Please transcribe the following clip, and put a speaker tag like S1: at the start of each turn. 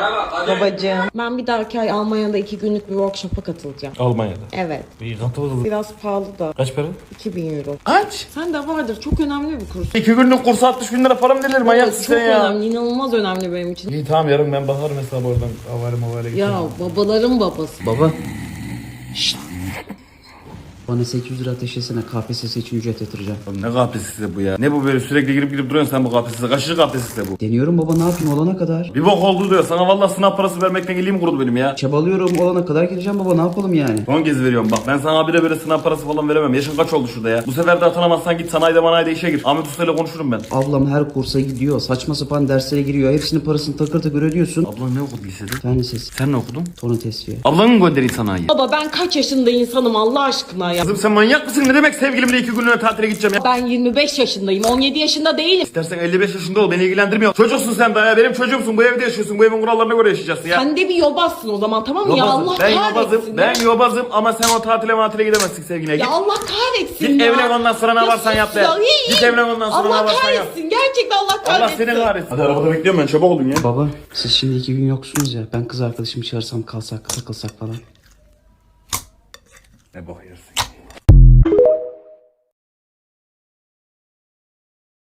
S1: Babacığım. Ben bir dahaki ay Almanya'da 2 günlük bir workshop'a katılacağım.
S2: Almanya'da.
S1: Evet.
S2: İyi katılırız.
S1: Biraz pahalı da.
S2: Kaç para?
S1: 2000 euro.
S2: Kaç?
S1: Sen de vardır. Çok önemli bir kurs.
S2: 2 günlük kursa 60 bin lira para mı verilir? Manyaksın
S1: Çok
S2: sen ya.
S1: önemli. İnanılmaz önemli benim için.
S2: İyi tamam yarın ben bakarım hesabı oradan. Havale gidelim.
S1: Ya babaların babası.
S3: Baba. Şşt. Bana 800 lira ateşlesene, KPSS için ücret yatıracağım.
S2: Ne KPSS'si bu ya? Ne bu böyle sürekli girip duruyorsun sen bu KPSS'e? Kaçıncı KPSS'si bu?
S3: Deniyorum baba, ne yapayım olana kadar.
S2: Bir bok oldu diyor. Sana vallahi sınav parası vermekten iliğim kurudu benim ya.
S3: Çabalıyorum, olana kadar gireceğim baba, ne yapalım yani.
S2: Son kez veriyorum bak. Ben sana abire böyle sınav parası falan veremem. Yaşın kaç oldu şurada ya? Bu sefer de atanamazsan git sanayide işe gir. Ahmet Usta ile konuşurum ben.
S3: Ablam her kursa gidiyor, saçma sapan derslere giriyor. Hepsinin parasını takır takır ödüyorsun.
S2: Ablan ne okudu lisede?
S3: Fen lisesi,
S2: Sen ne okudun?
S3: fonotesviye.
S2: Ablanın göndereyim sanayiye.
S1: Baba ben kaç yaşında insanım Allah aşkına ya.
S2: Kızım sen manyak mısın? Ne demek sevgilimle 2 günlüğüne tatile gideceğim ya?
S1: Ben 25 yaşındayım. 17 yaşında değilim.
S2: İstersen 55 yaşında ol, beni ilgilendirmiyor. Çocuksun sen daha ya, benim çocuğumsun, bu evde yaşıyorsun, bu evin kurallarına göre yaşayacaksın ya.
S1: Sen de bir yobazsın o zaman, tamam mı? Ya
S2: Yobazım.
S1: Allah
S2: Ben
S1: kahretsin.
S2: yobazım, ben yobazım ama sen o tatile gidemezsin sevgiline.
S1: Ya
S2: Git,
S1: Allah kahretsin
S2: git
S1: ya.
S2: evlen ondan sonra ne
S1: Ya
S2: varsan
S1: sus
S2: yap be.
S1: ya, iyi,
S2: Git
S1: iyi.
S2: evlen ondan sonra
S1: Allah
S2: ne varsan yap.
S1: kahretsin. Gerçekten Allah
S2: Allah
S1: kahretsin.
S2: seni kahretsin. Hadi arabada bekliyorum ben, çabuk olun ya.
S3: Baba, siz şimdi 2 gün yoksunuz ya. Ben kız arkadaşımı çağırsam, kalsak, takılsak falan.
S2: Ne bok yersin.